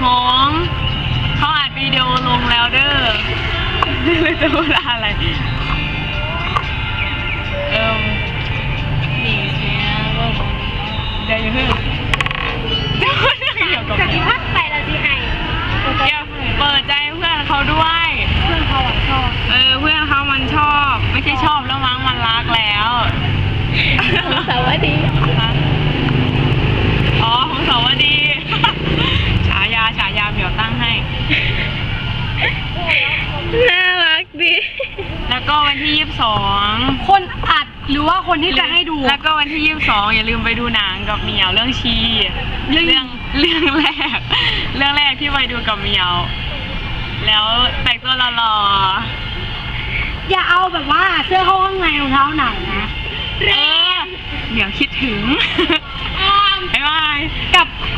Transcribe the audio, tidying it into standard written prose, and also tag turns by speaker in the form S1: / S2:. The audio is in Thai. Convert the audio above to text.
S1: หงเขาอัดวิดีโอลงแล้วเด้อเลยจะพูดอะไรนี่เสียก็เดี๋ยวอย่าเพิ่งเกี่ยวกับ
S2: จากที่พักไปแล้วที่ไห้
S1: เปิดใจเพื่อนเขาด้วย
S2: เพื่อนเขาชอบ
S1: เพื่อนเขามันชอบไม่ใช่ชอบแล้วมั้งมันรักแล้ว
S2: สวัสดี
S1: อ๋อของสวัสดีฉายาเหมียวตั้งให้
S2: น่ารักดี
S1: แล้วก็วันที่22
S2: คนอัดหรือว่าคนที่จะให้ดู
S1: แล้วก็วันที่22อย่าลืมไปดูหนังกับเหมียวเรื่องชีเรื่องแรกที่ไปดูกับเหมียวแล้วแต่งตัวหล่อ
S2: อย่าเอาแบบว่าเสื้อเข้าข้างในรองเท้าหนังนะ
S1: เหมียวคิดถึงบ๊ายบาย
S2: กับ